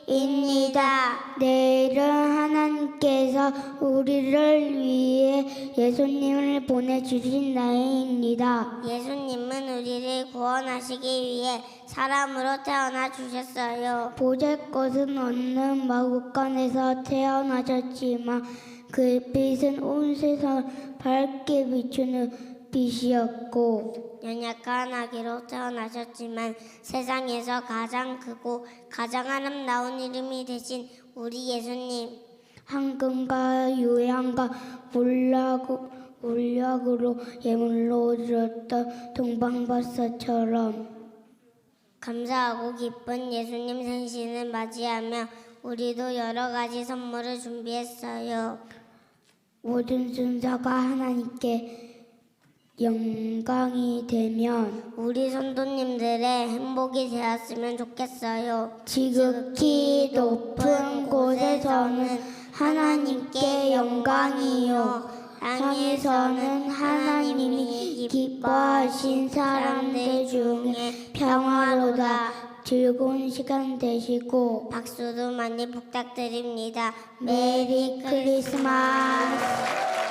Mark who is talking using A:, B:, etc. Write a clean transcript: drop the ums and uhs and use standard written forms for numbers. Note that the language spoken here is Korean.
A: 내일은 하나님께서 우리를 위해 예수님을 보내주신 날입니다.
B: 예수님은 우리를 구원하시기 위해 사람으로 태어나 주셨어요.
A: 보잘 것은 없는 마구간에서 태어나셨지만 그 빛은 온 세상을 밝게 비추는 빛이었고
B: 연약한 아기로 태어나셨지만 세상에서 가장 크고 가장 아름다운 이름이 되신 우리 예수님,
A: 황금과 유향과 울력으로 예물로 드렸던 동방박사처럼
B: 감사하고 기쁜 예수님 생신을 맞이하며 우리도 여러 가지 선물을 준비했어요.
A: 모든 순서가 하나님께 영광이 되면
B: 우리 성도님들의 행복이 되었으면 좋겠어요.
A: 지극히 높은 곳에서는 하나님께 영광이요, 땅에서는 하나님이 기뻐하신 사람들 중에 평화로다. 즐거운 시간 되시고
B: 박수도 많이 부탁드립니다.
A: 메리 크리스마스.